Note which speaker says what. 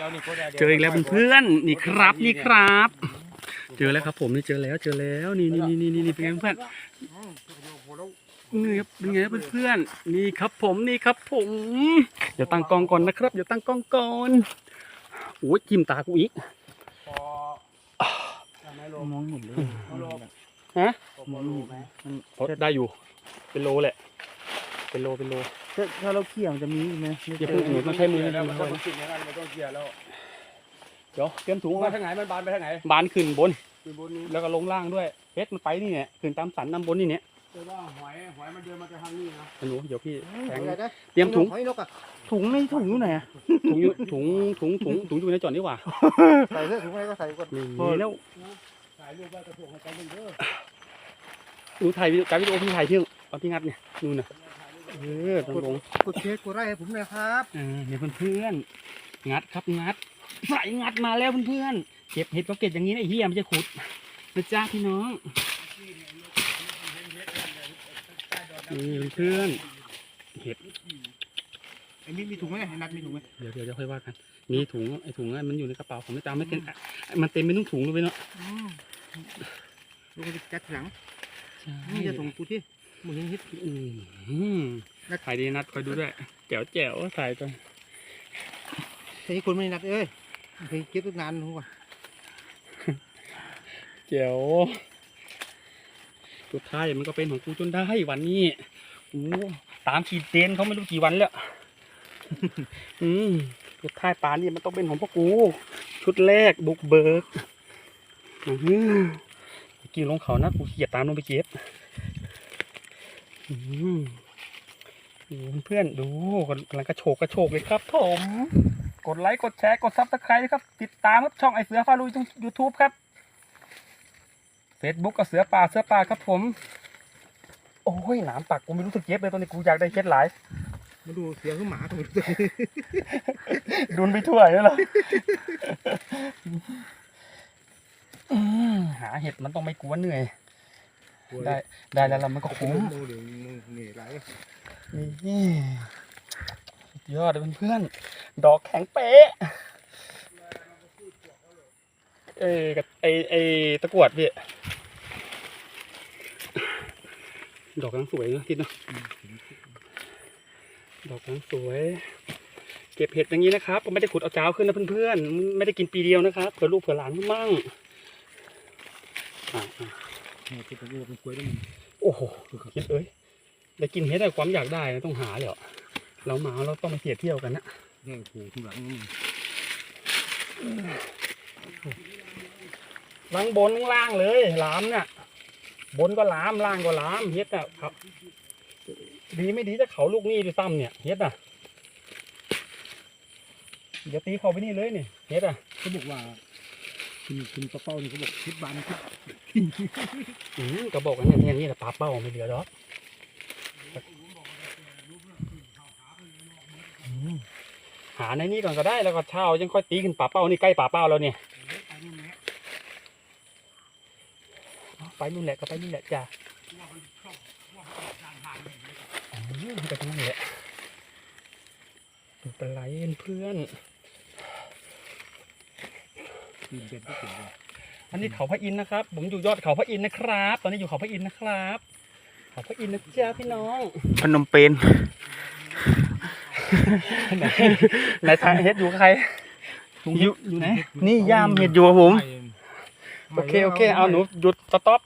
Speaker 1: เจออีกแล้วเพื่อนๆนี่ครับนี่ครับ เจอแล้วครับผมนี่เจอแล้วนี่เป็นไงเพื่อนนี่ครับเป็นไงเพื่อนๆนี่ครับผมเดี๋ยวตั้งกล้องก่อนนะครับเดี๋ยวตั้งกล้องก่อนโอ้ยจิ้มตากูอีก
Speaker 2: มองเห็นเลย
Speaker 1: ฮะ
Speaker 2: มองเห็นไหม
Speaker 1: ได้อยู่เป็นโลแหละเป็นโล
Speaker 2: ถ้าเราเขี่ยมันจะมีไหม
Speaker 1: อย่าเพิ่งหนูต้องใช้มือ
Speaker 3: แล้วมันต้องสิ่งอย่างนั้นมันต้องเกียร์แล้ว
Speaker 1: เดี๋ยวเตรียมถุง
Speaker 3: มา
Speaker 1: มา
Speaker 3: ทางไหนมันบานไปทางไหน
Speaker 1: บานขึ้นบน
Speaker 3: คือบนนี้
Speaker 1: แล้วก็ลงล่างด้วยเพชรมันไปนี่เนี่ยขึ้นตามสันน้ำบนนี่เนี่ย
Speaker 3: แต่ว่าหอยมันเดินมาจากทางนี้นะ
Speaker 1: หนูเดี๋ยวพี่แทง
Speaker 3: อะไรนะ
Speaker 1: เตรียมถุง
Speaker 3: หอยนกอ่ะ
Speaker 2: ถุงในถุงอยู่ไหนอะ
Speaker 1: ถุงอยู่ในจอดนี่หว่า
Speaker 3: ใส่เสื้อถุงอะไรก็ใส่ก่อน
Speaker 1: นี่แล้ว
Speaker 3: ถ่ายรูปไว้กระโถงให้กันเด้อ
Speaker 1: หนูถ่ายการวิดีโอพี่ถ่ายที่ตอนที่งัดเนี่ยนู่นน่ะตรงลง
Speaker 3: กดเช็คกดไลค์ให้ผมหน่อยครับ
Speaker 1: เนี่ยเพื่อนๆงัดครับงัดใส่งัดมาแล้วเพื่อนๆเก็บเห็ดก็เก็บอย่างนี้นะไอ้เหี้ยมันจะขุดนะจ้าพี่น้องนี่เพื่อนๆเห็ด
Speaker 3: ไอ้มีถุงไหมไอ้นัดมีถุงไหม
Speaker 1: เดี๋ยวค่อยว่ากันมีถุงไอ้ถุงนั้นมันอยู่ในกระเป๋าผมไม่ตามไม่เต็มมันเต็มไม่ต้องถุงเลยเนาะ
Speaker 3: ลูกจะจัดหลัง
Speaker 1: นี่
Speaker 3: นี่
Speaker 1: จะ
Speaker 3: จะ
Speaker 1: ถุ
Speaker 3: ส่
Speaker 1: ง
Speaker 3: งกูที่มึงยังฮิต
Speaker 1: ถ่ายดีนัดคอยดูด้วยแจ๋วถ่ายกัน
Speaker 3: แต่นี่คนไม่นัดเอ้ยเคยเก็บตั้งนานรู้ป่ะ
Speaker 1: แจ๋วสุดท้ายมันก็เป็นของกูจนได้วันนี้โอ้ตามขีดเจนเขาไม่รู้กี่วันแล้ว สุดท้ายปลานี่มันต้องเป็นของพวกกูชุดแรกบุกเบิกกินลงเขานะกูเขียดตามลงไปเก็บเพื่อนดูกำลังกระโชกเลยครับผมกดไลค์กดแชร์กดซับสไครต์นะครับติดตามครับช่องไอเสือฟาลุยตรง YouTube ครับ Facebook ก็เสือป่าครับผมโอ้ยหนามปักกูไม่รู้สึกเจ็บเลยตอนนี้กูอยากได้เคล็ดหลาย
Speaker 3: มาดูเสียงคือหมาตรงนี้
Speaker 1: ดุนไปทั่วเลยเหรอหาเห็ดมันต้องไม่กลัวเหนื่อยได้แล้วมันก็คุ้ม
Speaker 3: ดูเดี๋ยวมึงเหนื่อยไร
Speaker 1: นี่สุดยอดเลยเพื่อนๆดอกแข็งเป๊ะกับไอตะกรวดพี่ดอกกำลังสวยนะคิดเนาะดอกกำลังสวยเก็บเห็ดอย่างนี้นะครับไม่ได้ขุดเอาเจ้าขึ้นนะเพื่อนๆไม่ได้กินปีเดียวนะครับเผื่อลูกเผื่อหลานมั่ง
Speaker 3: คือตัวนี้เป็นกล้วยด้วย
Speaker 1: โอ้โหคิดได้กินเห็ดแต่ความอยากได้ต้องหาเลยเรามาเราต้องมาเที่ยวกันนะ
Speaker 3: แย่งผูที่หลัง
Speaker 1: ล้างบนล่างเลยล้ามเนี่ยบนก็ล้ามล่างก็ล้ามเฮ็ดอ่ะครับดีไม่ดีจะเขาลูกนี่ด้วยซ้ำเนี่ยเฮ็ดอ่ะเดี๋ยวตีเขาไปนี่เลยนี่เฮ็ดอ่ะ
Speaker 3: เขาบอกว่าคุณปลาเป้านี่เขาบอกคิดบานคิด
Speaker 1: ก็บอกกันเนี่ยนี่แหละปลาเป้าไม่เหลือหรอกหาในนี้ก่อนก็ได้แล้วก็เช่ายังค่อยตีขึ้นปลาเป้านี่ใกล้ปลาเป้าแล้วเนี่ยไปนู่นแหละก็ไปนู่นแหละจ้าไปตรงนั้นแหละเป็นไรเพื่อนอันนี้เขาพระอินทร์นะครับผมอยู่ยอดเขาพระอินทร์นะครับตอนนี้อยู่เขาพระอินทร์นะครับเขาพระอินทร์นะจ้าพี่น้อง
Speaker 2: พนมเปญ
Speaker 1: ไหนทางเฮ็ดอยู่ใครอยู่ไหน
Speaker 2: นี่ย่ามเห็ดอยู่ครับผม
Speaker 1: โอเคเอาหนูหยุดสต็อป